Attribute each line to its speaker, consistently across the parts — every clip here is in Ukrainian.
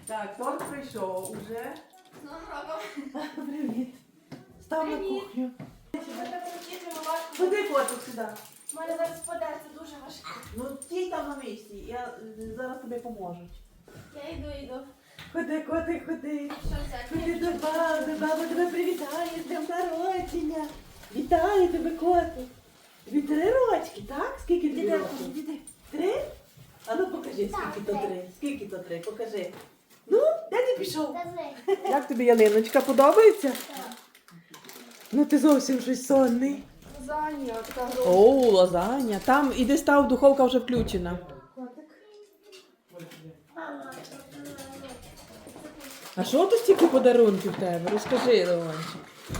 Speaker 1: Так, торт прийшов уже.
Speaker 2: З Новим роком.
Speaker 1: Привіт. Став на
Speaker 2: Привіт.
Speaker 1: кухню.
Speaker 2: Ми так їздимо важко.
Speaker 1: Ходи, котик, сюди.
Speaker 2: У мене зараз спаде, це дуже важко.
Speaker 1: Ну, стій там на місці, я зараз тобі поможу.
Speaker 2: Я йду.
Speaker 1: Ходи, котик, ходи.
Speaker 2: Що взяти?
Speaker 1: Ходи до баби тебе привітає з днем народження. Вітаю тебе, котик. Тобі 3 рочки, так? Скільки тобі років? 3? А ну покажи, скільки то 3. Скільки то 3, покажи. Ну, де ти пішов? Як тобі ялиночка, подобається?
Speaker 2: Так.
Speaker 1: Ну ти зовсім щось сонний.
Speaker 2: Лазанья, така грома.
Speaker 1: О, лазаня. Там іди став, духовка вже включена. А що тут стільки подарунків в тебе? Розкажи, Леончик.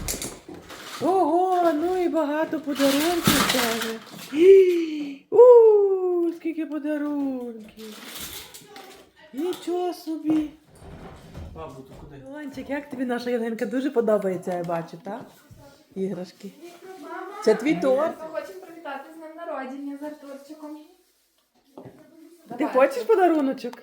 Speaker 1: Ого, ну і багато подарунків в тебе. Скільки подарунків. Нічого собі.
Speaker 3: Бабу, то куди?
Speaker 1: Леончик, як тобі наша ялинка? Дуже подобається, я бачу, так? Іграшки. Це твій торт.
Speaker 2: Ми хочемо привітати з днем народження з Артурчиком.
Speaker 1: Ти хочеш подаруночок?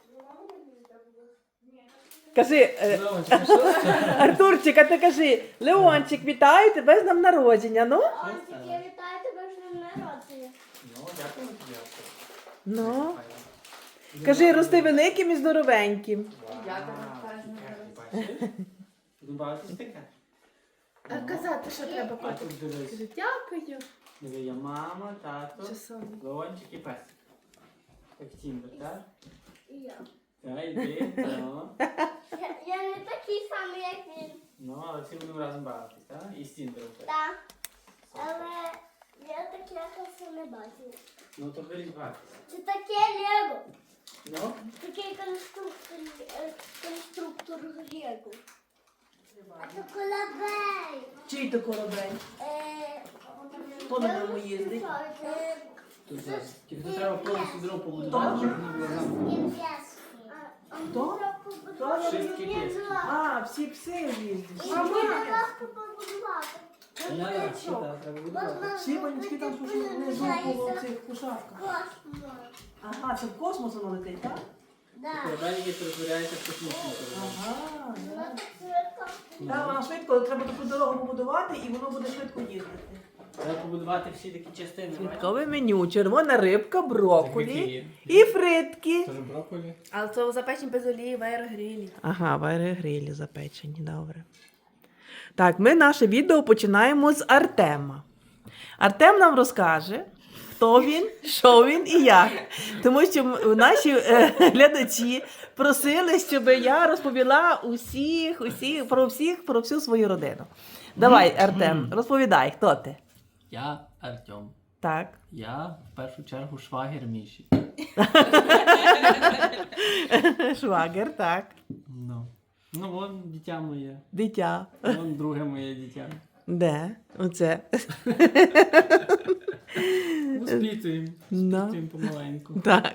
Speaker 1: Кажи,
Speaker 3: Леончик, що це?
Speaker 1: Артурчик, а ти кажи, Леончик, вітаю тебе з днем народження, ну?
Speaker 4: Я вітаю тебе з днем народження.
Speaker 3: Ну, дякую тобі.
Speaker 1: Ну. Кажи, рости великим і здоровеньким.
Speaker 2: Я тебе вітаю з днем народження.
Speaker 3: Будемо бавитись таке?
Speaker 2: А казати, що треба
Speaker 3: А
Speaker 2: котик?
Speaker 3: тут дивись.
Speaker 2: Кажу, дякую.
Speaker 3: Диви, є мама, тато,
Speaker 2: Часом.
Speaker 3: Леончик і песик. Як Тіндер, так?
Speaker 4: І я.
Speaker 3: Так, йди, ну.
Speaker 4: Я не такий самий, як він.
Speaker 3: Ну, але всі будемо разом бавитись, так? І з Тіндером теж.
Speaker 4: Так. Але я таке якось не бачив.
Speaker 3: Ну, то беріть бавитись.
Speaker 4: Це таке Лего.
Speaker 3: Ну?
Speaker 4: Такий конструктор Лего. А це корабель.
Speaker 1: Чий то корабель? Хто на ньому їздить?
Speaker 3: Тут зараз. Тільки то треба повністю дорогу побудувати, щоб воно було замок.
Speaker 1: Хто? Хто?
Speaker 3: Шістки піски.
Speaker 1: А, всі пси їздять.
Speaker 4: Мама, легко побудувати.
Speaker 3: Не треба, що так, треба будувати.
Speaker 1: Всі панічки там пішли внизу по цих пушарках.
Speaker 4: Космос.
Speaker 1: Ага, це в космос воно летить, так?
Speaker 4: Да.
Speaker 3: Корабель, який перетворяється в космічний корабель.
Speaker 1: Ага.
Speaker 4: Вона так швидко.
Speaker 1: Так, вона швидко, треба таку дорогу побудувати і воно буде швидко їздити.
Speaker 3: Треба побудувати всі такі частини.
Speaker 1: Святкове меню, червона рибка, брокколі і фритки.
Speaker 3: Тоже брокколі.
Speaker 2: Але це запечені без олії в аерогрилі.
Speaker 1: Ага, в аерогрилі запечені, добре. Так, ми наше відео починаємо з Артема. Артем нам розкаже, хто він, що він і як. Тому що наші глядачі просили, щоб я розповіла про всю свою родину. Давай, Артем, розповідай, хто ти?
Speaker 3: Я Артем.
Speaker 1: Так.
Speaker 3: Я в першу чергу швагір Міші.
Speaker 1: Швагер, так.
Speaker 3: Ну, вон дитя моє.
Speaker 1: Дитя.
Speaker 3: Вон друге моє дитя.
Speaker 1: Де? Оце.
Speaker 3: Воспитуємо.
Speaker 1: Да.
Speaker 3: Воспитуємо помаленьку.
Speaker 1: Так.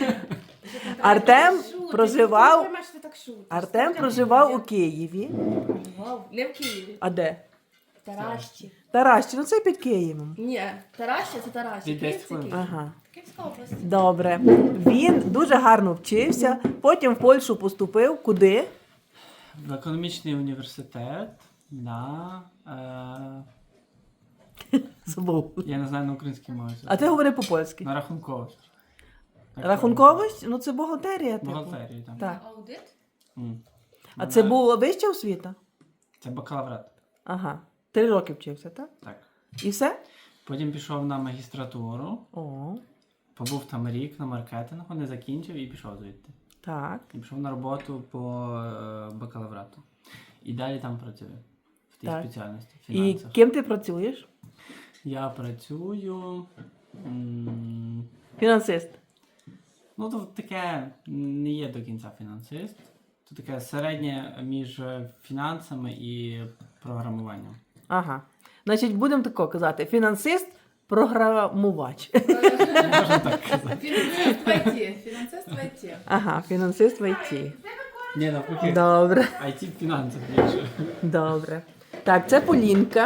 Speaker 1: Артем проживав у Києві.
Speaker 2: Не в Києві.
Speaker 1: А де?
Speaker 2: В Таращі.
Speaker 1: Таращі, ну це під Києвом.
Speaker 2: Ні, Тараща це Тараща.
Speaker 3: Від 10
Speaker 2: Київ це
Speaker 3: хвилин.
Speaker 2: Київ.
Speaker 1: Ага.
Speaker 2: Київська область.
Speaker 1: Добре. Він дуже гарно вчився, потім в Польщу поступив. Куди?
Speaker 3: В економічний університет на...
Speaker 1: Забув.
Speaker 3: я не знаю на українській мові.
Speaker 1: А ти говори по-польськи.
Speaker 3: На рахунковість.
Speaker 1: Рахунковість? Ну це бухгалтерія. Типу.
Speaker 3: Бухгалтерії там.
Speaker 1: Так.
Speaker 2: Аудит?
Speaker 3: М.
Speaker 1: А це була вища освіта?
Speaker 3: Це бакалаврат.
Speaker 1: Ага. 3 роки вчився, так?
Speaker 3: Так.
Speaker 1: І все?
Speaker 3: Потім пішов на магістратуру.
Speaker 1: О,
Speaker 3: Побув там рік на маркетингу, не закінчив і пішов звідти.
Speaker 1: так.
Speaker 3: І пішов на роботу по бакалаврату. І далі там працюю. В тій
Speaker 1: Так.
Speaker 3: спеціальності. В
Speaker 1: І
Speaker 3: фінансах.
Speaker 1: ким ти працюєш?
Speaker 3: Я працюю.
Speaker 1: Фінансист.
Speaker 3: Ну, то таке не є до кінця фінансист. Це таке середнє між фінансами і програмуванням.
Speaker 1: Ага. Значить, будемо тако казати. Фінансист, програмувач.
Speaker 3: Можна так казати.
Speaker 2: Фінансист в ІТ. Фінансист в ІТ.
Speaker 1: Ага, фінансист в ІТ.
Speaker 3: Ні, навпаки.
Speaker 1: Добре,
Speaker 3: IT в фінансах більше.
Speaker 1: добре. Так, це Полінка.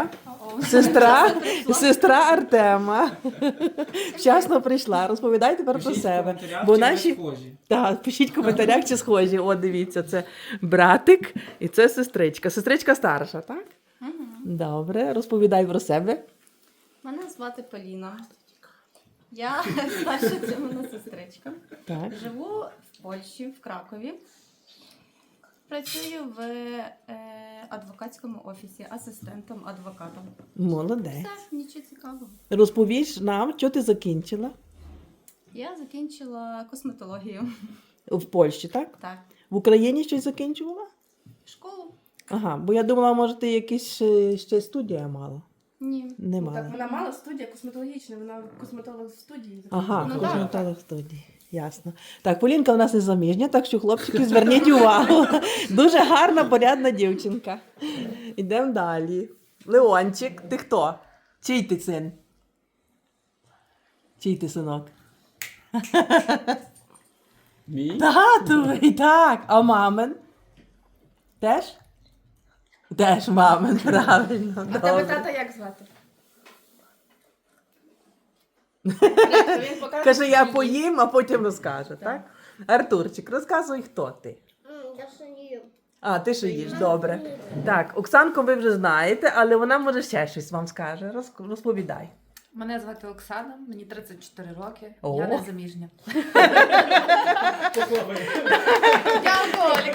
Speaker 1: Сестра Артема. Вчасно прийшла. Розповідай тепер про
Speaker 3: Пишіть в
Speaker 1: себе.
Speaker 3: коментарях,
Speaker 1: Бо
Speaker 3: чи ви
Speaker 1: наші...
Speaker 3: схожі.
Speaker 1: Так, пишіть в коментарях, чи схожі. О, дивіться, це братик і це сестричка. Сестричка старша, так? Добре, розповідай про себе.
Speaker 2: Мене звати Поліна. Я старша Тімона сестричка.
Speaker 1: Так.
Speaker 2: Живу в Польщі, в Кракові. Працюю в адвокатському офісі, асистентом, адвокатом.
Speaker 1: Молодець.
Speaker 2: Все, нічого цікавого.
Speaker 1: Розповіш нам, що ти закінчила
Speaker 2: Я закінчила косметологію.
Speaker 1: в Польщі, так?
Speaker 2: Так.
Speaker 1: В Україні щось закінчувала?
Speaker 2: Школу?
Speaker 1: Ага, бо я думала, може, ти якісь ще студія мала.
Speaker 2: Ні.
Speaker 1: Не
Speaker 5: Ну, так,
Speaker 1: мала.
Speaker 5: вона мала студія косметологічна, вона косметолог в студії.
Speaker 1: Ага,
Speaker 2: Ну,
Speaker 1: косметолог студії. Ясно. Так, Полінка в нас не заміжня, так що, хлопчики, зверніть увагу. Дуже гарна, порядна дівчинка. Йдемо далі. Леончик, ти хто? Чий ти син? Чий ти синок?
Speaker 3: Мій?
Speaker 1: Татовий, так. А мамин? Теж? Теж мамин, правильно.
Speaker 5: А тебе
Speaker 1: Добре.
Speaker 5: тата як звати? Він покаже
Speaker 1: Каже, я
Speaker 5: тобі.
Speaker 1: поїм, а потім розкаже, так? Артурчик, розказуй, хто ти.
Speaker 4: Я синію.
Speaker 1: А, ти ще їш, добре. Так, Оксанку ви вже знаєте, але вона може ще щось вам скаже. Розповідай.
Speaker 6: Мене звати Оксана, мені 34 роки,
Speaker 1: О.
Speaker 6: я не заміжня.
Speaker 2: Я алкоголік.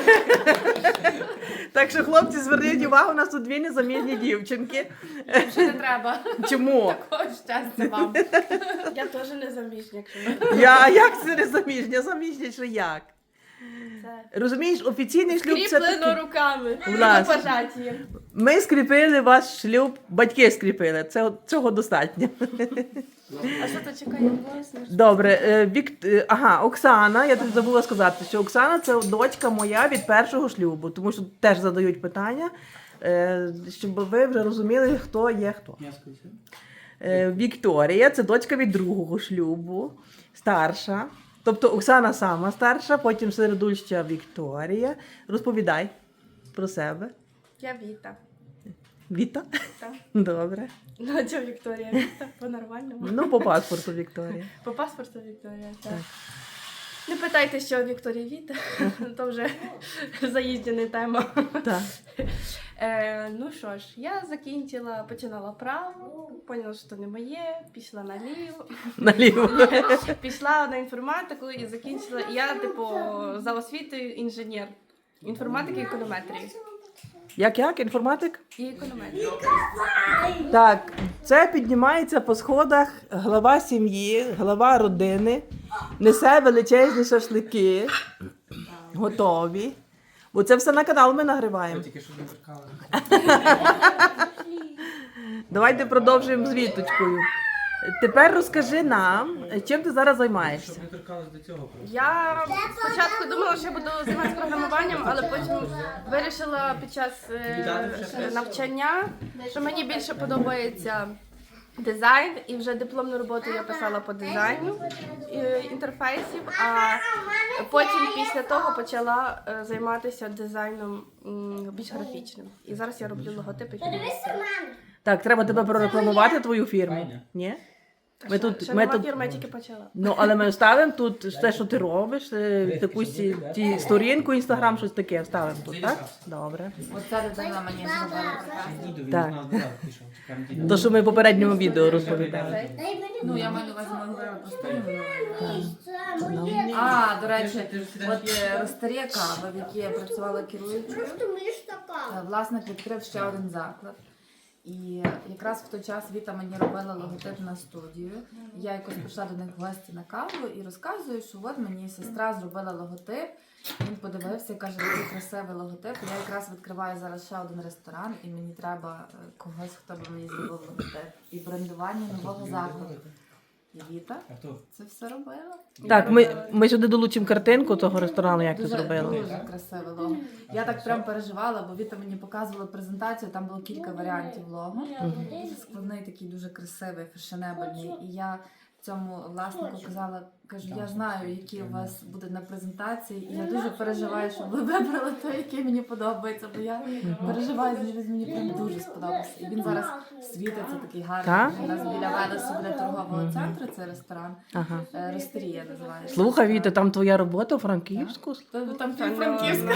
Speaker 1: Так що, хлопці, зверніть увагу, у нас тут дві незаміжні дівчинки.
Speaker 6: Вже не треба.
Speaker 1: Чому?
Speaker 6: Такого щастя вам.
Speaker 5: Я теж не заміжня, якщо
Speaker 1: А як це незаміжня? Заміжня чи як?
Speaker 5: це
Speaker 1: Розумієш, офіційний шлюб це
Speaker 5: скріплено
Speaker 1: такий.
Speaker 5: руками.
Speaker 1: Власне.
Speaker 5: Пожаті.
Speaker 1: Ми скріпили ваш шлюб, батьки скріпили. Цього достатньо.
Speaker 5: А що то чекає?
Speaker 1: Добре, ага, Оксана, я тобі забула сказати, що Оксана це дочка моя від першого шлюбу, тому що теж задають питання, щоб ви вже розуміли, хто є хто.
Speaker 3: Я скажу.
Speaker 1: Вікторія це дочка від другого шлюбу, старша. Тобто Оксана сама старша, потім середульща Вікторія. Розповідай про себе.
Speaker 5: Я Віта.
Speaker 1: Віта?
Speaker 5: Так.
Speaker 1: Добре.
Speaker 5: Надя Вікторія Віта, по-нормальному.
Speaker 1: Ну, по паспорту Вікторія.
Speaker 5: По паспорту Вікторія, так.
Speaker 1: Так.
Speaker 5: Не питайте, що Вікторія Віта, то вже заїжджена тема.
Speaker 1: Так.
Speaker 5: Ну що ж, я починала право, поняла, що це не моє, пішла наліво,
Speaker 1: Наліво.
Speaker 5: пішла на інформатику і закінчила. Я, за освітою інженер інформатики і економетрії.
Speaker 1: Як? Інформатик?
Speaker 5: І економетрії.
Speaker 1: Так, це піднімається по сходах глава сім'ї, глава родини, несе величезні шашлики, готові. Бо це все на канал ми нагриваємо.
Speaker 3: Ви тільки що не торкали.
Speaker 1: Давайте продовжуємо з Віточкою. Тепер розкажи нам, чим ти зараз займаєшся.
Speaker 3: Щоб не торкались до цього просто.
Speaker 5: Я спочатку думала, що я буду займатися програмуванням, але потім вирішила під час навчання, що мені більше подобається дизайн, і вже дипломну роботу я писала по дизайну інтерфейсів, а потім після того почала займатися дизайном більш графічним. І зараз я роблю логотипи під місце.
Speaker 1: Так, треба тебе прорекламувати, твою фірму.
Speaker 3: Файно.
Speaker 1: Ні? Ми тут,
Speaker 5: Ще
Speaker 1: ми
Speaker 5: нема
Speaker 1: тут,
Speaker 5: фірми, я тільки почала.
Speaker 1: ну, але ми вставимо тут все, що ти робиш, таку сторінку, інстаграм, щось таке вставимо тут, так? Добре.
Speaker 6: Оця дитина мені зробила прекрасно.
Speaker 3: Діду, він
Speaker 1: Так.
Speaker 3: з нас додав, пішов. Чекаємо діду.
Speaker 1: То, що ми в попередньому відео розповідали.
Speaker 6: Ну, я маю на увазі, ми говорили про старі.
Speaker 1: Ну.
Speaker 6: А, до речі, от Ростерія Кава, в якій я працювала керуючою, власник відкрив ще один заклад. І якраз в той час Віта мені робила логотип на студію. Я якось прийшла до них в гості на каву і розказую, що от мені сестра зробила логотип. Він подивився і каже, який красивий логотип. Я якраз відкриваю зараз ще один ресторан, і мені треба когось, хто би мені зробив логотип. І брендування нового закладу. І Віта
Speaker 3: А хто?
Speaker 6: це все робила.
Speaker 1: Так, ми сюди долучимо картинку того ресторану, як ти зробила.
Speaker 6: Дуже красиве лого. Я так прям переживала, бо Віта мені показувала презентацію, там було кілька варіантів лого. Дуже складний, такий дуже красивий, фешенебельний. І я цьому власнику казала, кажу, я знаю, які у вас буде на презентації, і я дуже переживаю, щоб ви вибрали той, який мені подобається, бо я переживаю, що він мені прям дуже сподобався. І він зараз світиться такий гарний.
Speaker 1: Так?
Speaker 6: У нас біля Велесу біля торгового центру, це ресторан.
Speaker 1: Ага.
Speaker 6: Ростерія називається.
Speaker 1: Слухай, Віта, там твоя робота у Франківську?
Speaker 6: Там Франківська.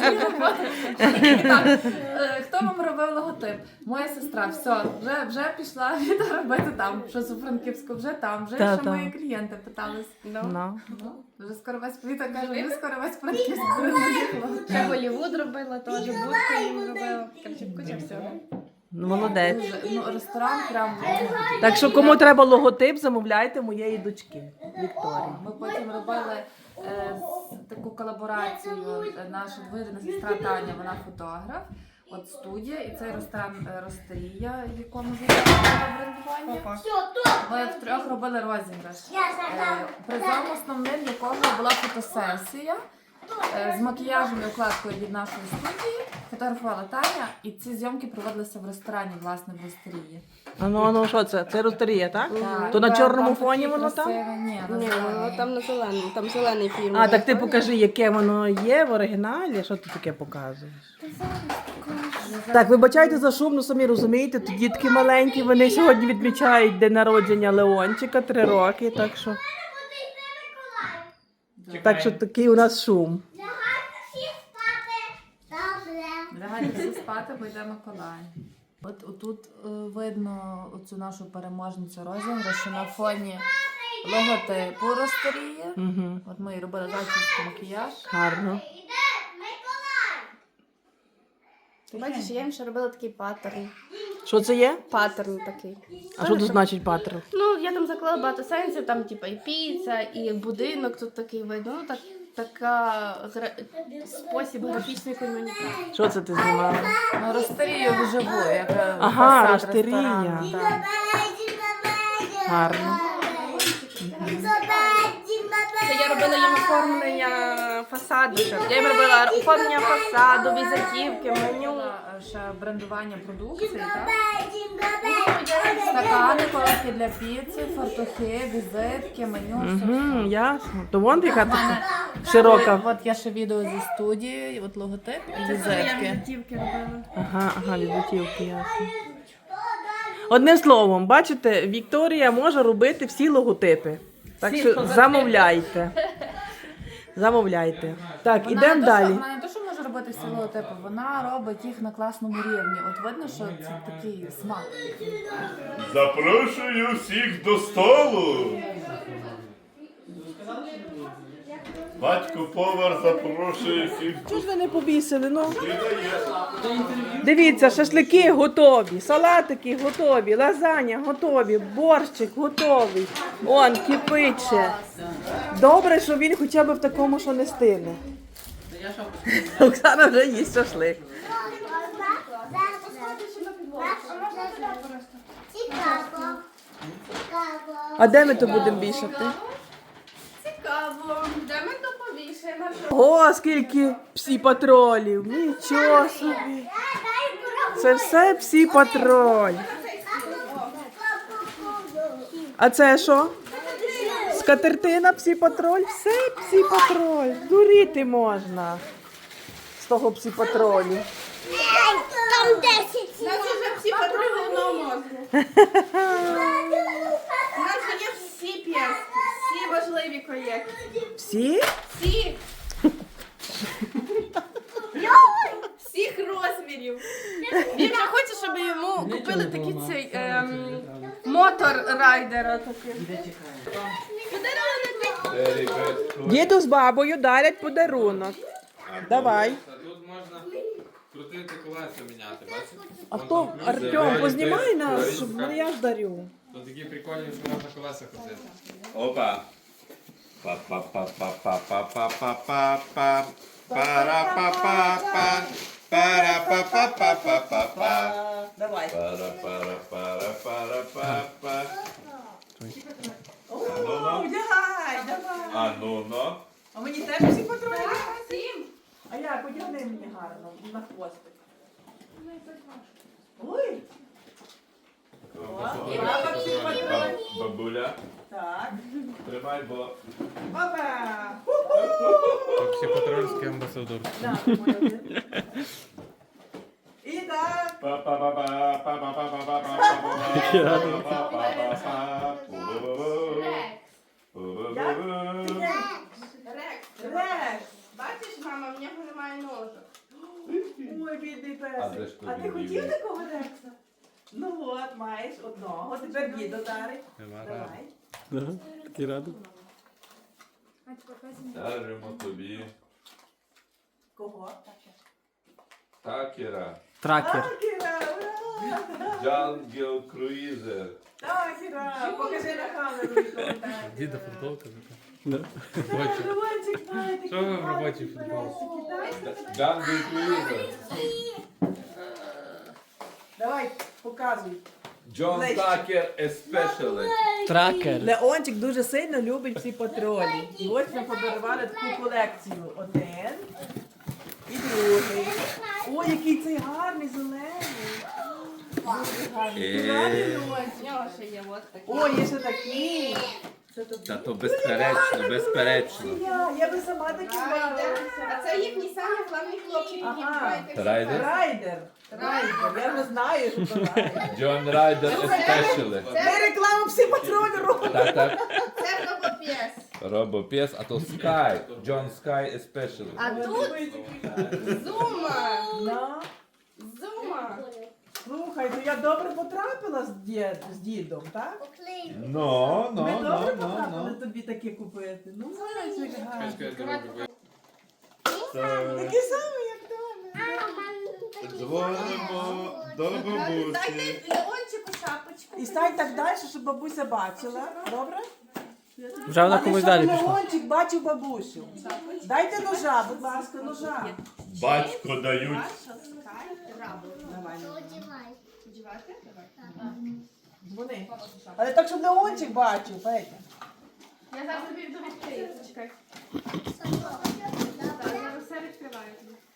Speaker 6: Хто вам робив логотип? Моя сестра, все, вже пішла Віта робити там, щось у Франківську, вже там, вже
Speaker 1: Та,
Speaker 6: ще
Speaker 1: та.
Speaker 6: мої клієнти питались.
Speaker 1: Ну.
Speaker 6: Вже скоро весь Віта каже, вже скоро весь Франківську роз'їхала.
Speaker 5: Ще Голлівуд робила, теж будку їм робила. Короче, куча всього.
Speaker 1: Ну, молодець.
Speaker 6: Ну, ресторан прям.
Speaker 1: Так що кому треба логотип, замовляйте моєї дочки Вікторії.
Speaker 6: Ми потім робили таку колаборацію. Наша двоюрідна сестра Таня, вона фотограф. От студія, і цей ресторан Ростерія, в якому займається брендування. Ми втрьох робили розіграш. Призом основним якого була фотосесія з макіяжем і укладкою від нашої студії. Фотографувала Таня, і ці зйомки проводилися в ресторані, власне, в Ростерії.
Speaker 1: Ну, що це? Це Ростерія, так?
Speaker 6: Так,
Speaker 1: То на
Speaker 6: там
Speaker 1: чорному
Speaker 6: такі
Speaker 1: фоні воно там?
Speaker 6: красиві- Ні, на
Speaker 5: Ні,
Speaker 6: зеленому.
Speaker 5: ну там на зеленому, там зелений фільм.
Speaker 1: А, так ти покажи, яке воно є в оригіналі, що ти таке показуєш? Так, вибачайте за шум, ну самі розумієте, тут дітки маленькі, вони сьогодні відмічають день народження Леончика, 3 роки, так що такий у нас шум.
Speaker 6: Лягайте всі спати, бо йде Миколай. От отут видно оцю нашу переможницю розіграшу на фоні логотипу Ростерії.
Speaker 1: Угу.
Speaker 6: От ми робили зачіску, макіяж.
Speaker 1: Гарно.
Speaker 5: Бачиш, я їм ще робила такий паттерн.
Speaker 1: Що це є?
Speaker 5: Паттерн такий.
Speaker 1: А що тут значить паттерн?
Speaker 5: Ну, я там заклала багато сенсів, там типа і піца, і будинок тут такий видно. Ну, спосіб графічної комунікації.
Speaker 1: Що це ти знімала?
Speaker 6: Ну, Ростерію вживу, як
Speaker 1: Ага,
Speaker 6: фасад
Speaker 1: Ростерія.
Speaker 6: ресторану, так.
Speaker 1: Гарно.
Speaker 5: Це я робила їм оформлення фасаду. Я їм робила оформлення фасаду, візитівки, меню.
Speaker 6: Ще брендування продукції, так? Стакани, коробки для піци, фартухи, візитки, меню, все.
Speaker 1: Угу, ясно. То вон яка така широка.
Speaker 6: От я ще відео зі студії, от логотип і візитки.
Speaker 5: Візитівки робила.
Speaker 1: Ага, візитівки, ясно. Одним словом, бачите, Вікторія може робити всі логотипи. Так що замовляйте. Замовляйте. Так, ідемо далі.
Speaker 6: Вона не те, що може робити всі логотипи, вона робить їх на класному рівні. От видно, що це такий смак.
Speaker 7: Запрошую всіх до столу. Батько повар запрошує всіх до
Speaker 1: Чого ж ви не повісили? Ну?
Speaker 7: столу.
Speaker 1: Дивіться, шашлики готові, салатики готові, лазаня готові, борщик готовий. Он кипить ще. Добре, що він хоча б в такому, що не стине. Оксана вже їсть шашлик. А де ми то будемо вішати?
Speaker 5: Цікаво, де ми то повішаємо?
Speaker 1: О, скільки псі-патролів! Нічого собі! Це все псі-патроль. А це що? Скатертина псі-патроль? Все псі-патроль. Дуріти можна з того псі-патролю.
Speaker 4: Там 10.
Speaker 5: У нас вже всі подруги одного мозку. У нас вже є всі п'єски, всі важливі проєкти.
Speaker 1: Всі?
Speaker 5: Всі! Всіх розмірів. Він вже хоче, щоб йому купили такий цей мотор-райдера такий.
Speaker 1: Діду з бабою дарять подарунок. Давай.
Speaker 8: Тут можна крутити колеса міняти, бачите?
Speaker 1: А хто? Артем, познімай нас, щоб я ж дарю.
Speaker 8: Тут такі прикольні, що можна колеса крутити.
Speaker 7: Опа. Па-па-па-па-па-па-па-па-па. Пара-па-па-па. Пара-па-па-па-па-па-па.
Speaker 1: Давай.
Speaker 7: Пара-пара-пара-пара-па-па.
Speaker 1: Одягай, давай.
Speaker 7: А ну-ну.
Speaker 1: А мені теж всі патрони? А як, одягни мені гарно, на хвостик. Ой,
Speaker 7: Бабуля.
Speaker 1: Так.
Speaker 7: Тримай, бо
Speaker 1: Опа!
Speaker 8: Психотерапевтський амбасадор.
Speaker 1: На, моя один. І так. Рекс.
Speaker 5: Бачиш, мама, в нього немає ножок.
Speaker 1: Ой, бідний
Speaker 7: А де
Speaker 1: песик.
Speaker 7: ж
Speaker 1: А ти
Speaker 7: тобі
Speaker 1: хотів
Speaker 7: бідний?
Speaker 1: такого рекса? Ну от, маєш одного. Тепер дідо дарить.
Speaker 8: Нема
Speaker 1: Давай.
Speaker 3: Такий радий.
Speaker 7: Даримо тобі
Speaker 1: Кого?
Speaker 7: такера.
Speaker 3: Тракер.
Speaker 1: Такіра, ура!
Speaker 7: Джангел Круїзер.
Speaker 1: Такіра, покажи на камеру.
Speaker 8: Діда футболка така.
Speaker 3: Да.
Speaker 8: Робоча.
Speaker 1: Романчик має такі
Speaker 8: Що ви в
Speaker 1: гарні
Speaker 8: робочій футболці?
Speaker 1: песики, так?
Speaker 7: Джангел Круїзер.
Speaker 1: Давай, показуй.
Speaker 7: Джон Такер Especially.
Speaker 3: Тракер.
Speaker 1: Леончик дуже сильно любить всі патрулі. І ось ми подарували таку колекцію. Один і другий. Ой, який цей гарний, зелений. Дуже гарний. Гарний, Леончик.
Speaker 5: В нього ще є от такі.
Speaker 1: Ой, є ще такий. Це тобі.
Speaker 7: Та то безперечно, безперечно.
Speaker 1: Я би сама такі
Speaker 5: А
Speaker 1: брала.
Speaker 5: це їхній самий головний хлопчик, який
Speaker 1: Ага.
Speaker 5: відбувається всі
Speaker 7: Райдер?
Speaker 1: Райдер. Райдер. Я не знаю, що це райдер.
Speaker 7: Джон Райдер Especially.
Speaker 1: Ми рекламу всі патрулі робимо.
Speaker 7: Так, так.
Speaker 5: Це робоп'єс.
Speaker 7: Робопес, а то Sky. Джон Sky Especially.
Speaker 5: А тут Зума.
Speaker 1: Ну,
Speaker 5: Зума.
Speaker 1: слухай, то я добре потрапила з дідом, так?
Speaker 7: Ну,
Speaker 1: Ми добре потрапили тобі таке купити. Ну, Марочик, гарно. Такі самі, як дома.
Speaker 7: Дзвонимо до бабусі.
Speaker 5: Дайте Леончику шапочку.
Speaker 1: І стань так далі, щоб бабуся бачила. Добре?
Speaker 3: Вже вона
Speaker 1: Але
Speaker 3: комусь
Speaker 1: щоб
Speaker 3: далі пішла.
Speaker 1: Леончик бачив бабусю. Дайте ножа, будь ласка, ножа.
Speaker 7: Батько дають.
Speaker 1: Давай,
Speaker 5: Одівати? Давай.
Speaker 1: дзвони. Але так, щоб Леончик бачив, Петя.
Speaker 5: Я зараз тобі йду відкрию. Чекай. Так, я все відкриваю.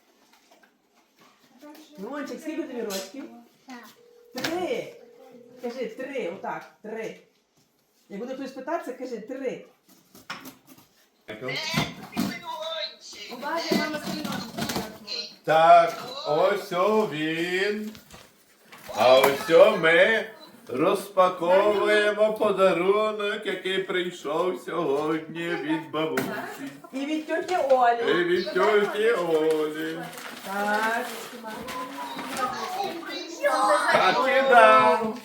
Speaker 1: Леончик, скільки тобі рочків? 3. Кажи 3, отак, 3. Як буде хтось питатися, кажи 3.
Speaker 5: Уважай, мама сильно.
Speaker 7: Так, ось він. А ось ми розпаковуємо подарунок, який прийшов сьогодні від бабусі.
Speaker 1: І від тьоті Олі.
Speaker 7: І від тьоті Олі.
Speaker 1: Так.
Speaker 7: Так і дам.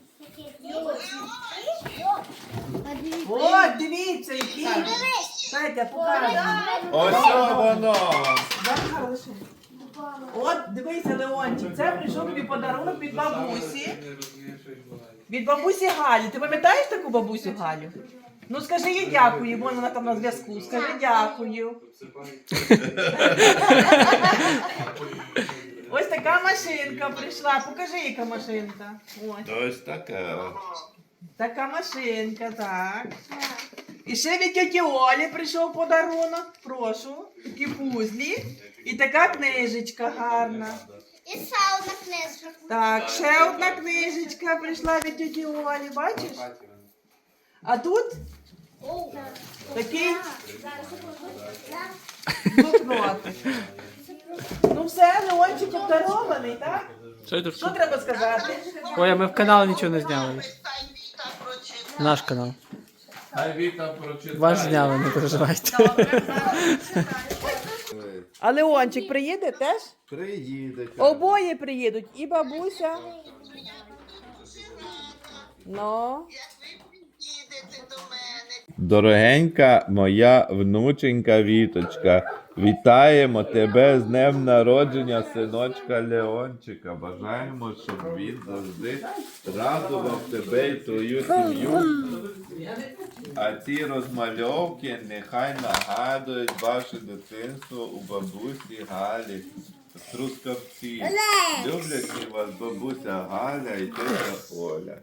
Speaker 1: О, дивіться, який. Петя, покажи.
Speaker 7: Ось воно.
Speaker 1: От, дивися, Леончик, це прийшов тобі подарунок від бабусі.
Speaker 8: Не розумію, що відбувається.
Speaker 1: Від бабусі Галі. Ти пам'ятаєш таку бабусю Галю? Ну скажи їй дякую, бо вона там на зв'язку. Скажи дякую. Ось така машинка прийшла. Покажи, яка машинка. Ось.
Speaker 7: Ось така.
Speaker 1: Така машинка, так. І ще від тьоті Олі прийшов подарунок. Прошу. Такі пузлі. І така книжечка гарна.
Speaker 4: І ще одна книжка.
Speaker 1: Так, ще одна книжечка прийшла від тьоті Олі, бачиш? А тут такий блокнотик. Ну все, Леончик обдарований, так?
Speaker 3: Що це?
Speaker 1: Що треба сказати?
Speaker 3: Ой, а ми в канал нічого не зняли. Наш канал.
Speaker 7: Хай Віта прочитає.
Speaker 3: Ваш зняли, не переживайте.
Speaker 1: А Леончик приїде теж?
Speaker 7: Приїде.
Speaker 1: Обоє приїдуть, і бабуся. Ну.
Speaker 7: Дорогенька моя внученька Віточка, вітаємо тебе з днем народження синочка Леончика. Бажаємо, щоб він завжди радував тебе і твою сім'ю. А ці розмальовки нехай нагадують ваше дитинство у бабусі Галі. Трускавці. Люблять вас бабуся Галя і тетя Оля.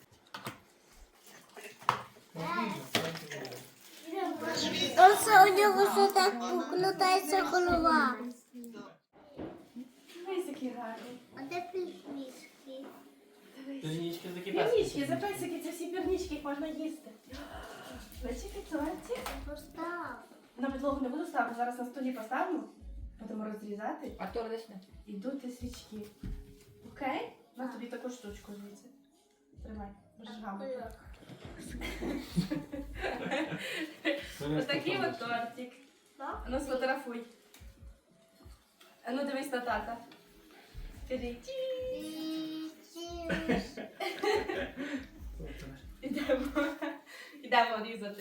Speaker 4: Ось у нього все так покладається голова. А де пішмішки?
Speaker 5: Пірнички, за песики, це всі пірнички, їх можна їсти. Песики, тортик. На підлогу не буду ставити, зараз на столі поставимо. Будемо розрізати.
Speaker 6: Артур, десь не.
Speaker 5: І дути свічки. Окей? На тобі таку штучку звідси. Тримай, будеш гамати. Ось такий от тортик. А ну сфотографуй. А ну дивись на тата. Скажи Ідемо різати.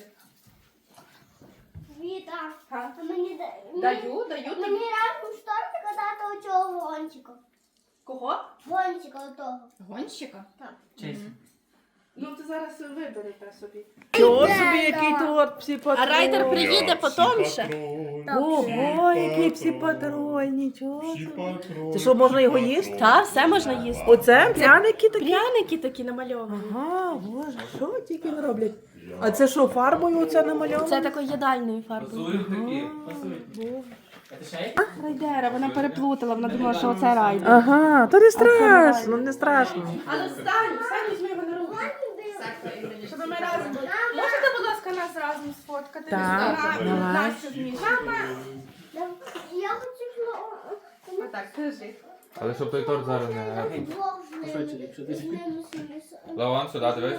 Speaker 4: Віта,
Speaker 5: Га?
Speaker 4: а мені
Speaker 5: Даю
Speaker 4: мені
Speaker 5: тобі.
Speaker 4: разом шторка дати оцього гончика.
Speaker 5: Кого?
Speaker 4: Гончика отого.
Speaker 2: Гонщика?
Speaker 3: Честь.
Speaker 5: Ну ти зараз виберете собі.
Speaker 1: Чого собі, який торт, псі-патрон.
Speaker 5: А райдер приїде потім ще.
Speaker 1: Ого, який псі-патрон, нічого. Це що, можна його їсти?
Speaker 5: Так, все можна їсти.
Speaker 1: Оце пряники такі?
Speaker 5: Пряники такі намальовані.
Speaker 1: Ага, боже, що тільки не роблять? А це що, фарбою оце намальовано?
Speaker 5: Це такою їдальною фарбою.
Speaker 8: Пасують такі.
Speaker 3: Це ще є?
Speaker 5: Райдера, вона переплутала, вона думала, що оце райдер.
Speaker 1: Ага, то не страшно, не страшно.
Speaker 5: Але встань, візьми його на руки. Щоб ми разом були. Можете, будь ласка, нас разом сфоткати?
Speaker 1: Так, давай.
Speaker 5: Настю з Мішою.
Speaker 4: Я хочу
Speaker 5: Отак, держи.
Speaker 8: Але щоб той торт зараз не...
Speaker 4: двох з ними.
Speaker 8: Лаван, сюди дивись.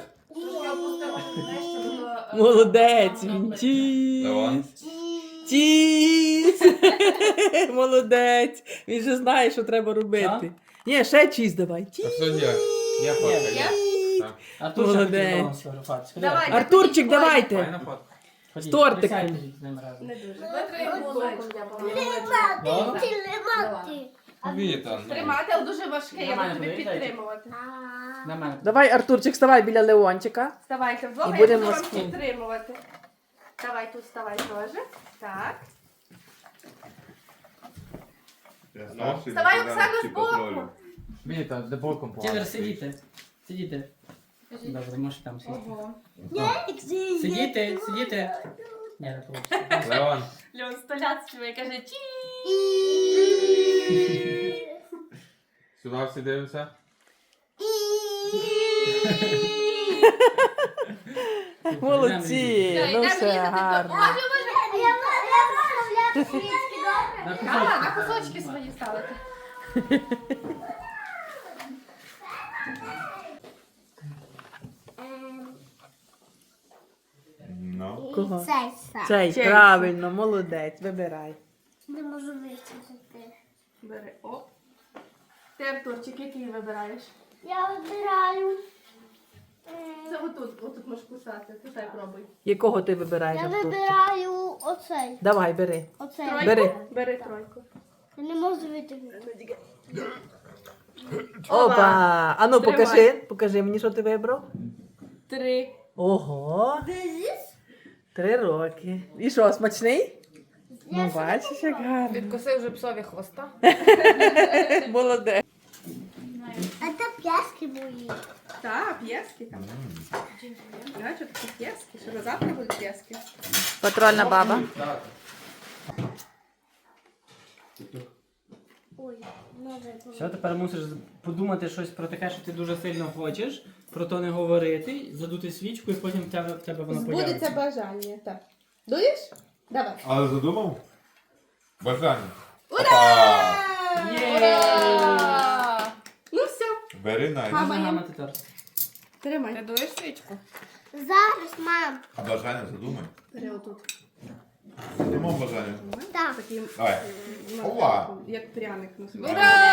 Speaker 1: Молодець, він тіс.
Speaker 8: Лаван.
Speaker 1: Тіс. Молодець. Він же знає, що треба робити. Ні, ще чіз давай.
Speaker 8: А
Speaker 1: Тіс.
Speaker 8: все є. Є фотка, є.
Speaker 3: Артур,
Speaker 1: Молодець.
Speaker 3: сфотографувати.
Speaker 5: Давай.
Speaker 1: Артурчик, давайте.
Speaker 8: Файна фотка.
Speaker 3: З
Speaker 1: тортиком.
Speaker 3: з ним разом.
Speaker 5: Не дуже.
Speaker 4: Тримати.
Speaker 8: Віта, ну.
Speaker 5: Тримати, але дуже важке, я
Speaker 3: Нормально,
Speaker 5: буду тобі
Speaker 3: подивіться.
Speaker 5: підтримувати.
Speaker 3: На мене.
Speaker 1: Давай, Артурчик, вставай біля Леончика.
Speaker 5: Вставайте вдвох,
Speaker 1: І
Speaker 5: я
Speaker 1: будемо
Speaker 5: буду вам
Speaker 1: спільно.
Speaker 5: підтримувати. Давай тут вставай теж. Так. Вставай, Оксана, збоку.
Speaker 8: Віта, де боком
Speaker 3: Тінер, сидіти. Сидіти. Добре, можеш там сидіти.
Speaker 5: Ого.
Speaker 3: Сидіти, сидіти. Ні, не вийде.
Speaker 8: Леон.
Speaker 5: Льон столяць співає, каже чі.
Speaker 8: Сюди всі дивимося.
Speaker 1: Молодці. Ну все, гарно.
Speaker 3: На
Speaker 5: А, на
Speaker 3: кусочки.
Speaker 5: кусочки свої ставити.
Speaker 7: Ну.
Speaker 1: Кого?
Speaker 4: Цей
Speaker 1: Цей, правильно, молодець, вибирай.
Speaker 4: не можу вичитати.
Speaker 5: Бери, оп. Ти, Артурчик, який вибираєш?
Speaker 4: Я вибираю.
Speaker 5: Це отут можеш кусати. Кусай, пробуй.
Speaker 1: Якого ти вибираєш,
Speaker 4: Я
Speaker 1: Артурчик?
Speaker 4: вибираю оцей.
Speaker 1: Давай, бери.
Speaker 4: Оцей.
Speaker 5: Тройку?
Speaker 1: Бери.
Speaker 5: Бери тройку.
Speaker 4: Я не можу витягнути.
Speaker 1: Опа! А ну
Speaker 5: Тримай.
Speaker 1: покажи мені, що ти вибрав.
Speaker 5: 3.
Speaker 1: Ого! 3 роки. І що, смачний? Ну, бачиш, як гарно.
Speaker 6: Відкусив вже псові хвоста.
Speaker 1: Молодець.
Speaker 4: А це п'яски мої.
Speaker 5: Так, п'єски там. А, що такі п'єски? Що на завтра будуть п'єски?
Speaker 6: Патрульна баба.
Speaker 4: Ой, може.
Speaker 3: Все, тепер мусиш подумати щось про таке, що ти дуже сильно хочеш, про то не говорити, задути свічку і потім в тебе воно
Speaker 5: Збудеться
Speaker 3: появиться.
Speaker 5: бажання. Так. Дуєш? Давай.
Speaker 7: Але задумав? Бажання.
Speaker 5: Ура!
Speaker 3: Є!
Speaker 5: Ну все,
Speaker 7: Бери найс.
Speaker 5: Мама.
Speaker 3: Можна гамати торт.
Speaker 5: тримай.
Speaker 6: Ти дуєш свічку?
Speaker 4: Зараз, мам.
Speaker 7: А бажання задумай.
Speaker 5: Бери отут.
Speaker 7: Задумав бажання.
Speaker 4: Так.
Speaker 5: Такий,
Speaker 7: Давай.
Speaker 5: ну,
Speaker 7: Ова.
Speaker 5: як пряник на собі.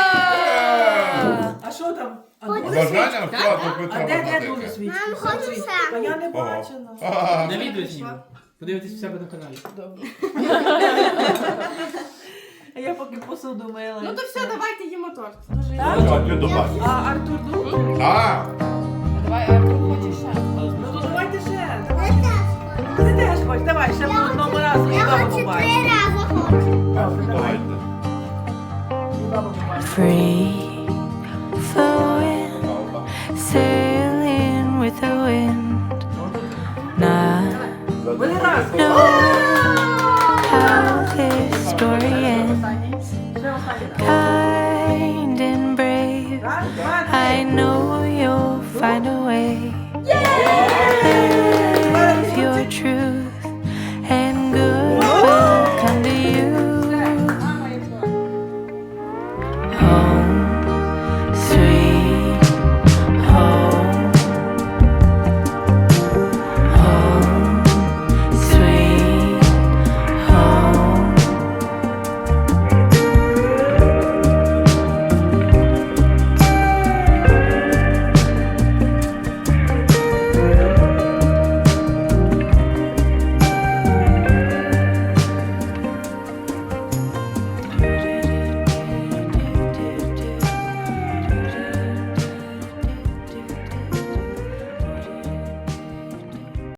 Speaker 1: А що там? А
Speaker 7: А бажання все, то
Speaker 1: А
Speaker 7: Петра
Speaker 1: де дуже
Speaker 7: Бондаренка.
Speaker 1: свічки?
Speaker 4: Мам, хочу сам.
Speaker 1: Та я не
Speaker 7: Ого.
Speaker 1: бачила.
Speaker 7: Ага.
Speaker 3: На відео зніму. Подивитись у себе на каналі.
Speaker 1: Добре. А я поки посуду мила.
Speaker 5: Ну то все, давайте їмо торт. Дуже
Speaker 1: Так?
Speaker 7: Ну, так, ти добавь.
Speaker 1: А Артур думає?
Speaker 7: А,
Speaker 6: Давай, Артур, хочеш ще?
Speaker 1: Ну то давайте ще. Ти теж хоч, давай, ще по одному разу і
Speaker 4: Я
Speaker 1: баба
Speaker 4: хочу 3
Speaker 1: побачить.
Speaker 4: рази хочу.
Speaker 1: Добре, давай.
Speaker 7: давайте.
Speaker 1: І баба побачить.
Speaker 9: Free flowing, sailing with the wind. Not
Speaker 1: Вони раз.
Speaker 9: how this story ends.
Speaker 1: Ще останній раз.
Speaker 9: Kind and brave,
Speaker 1: Раз, два,
Speaker 9: I
Speaker 1: три.
Speaker 9: know you'll find a way.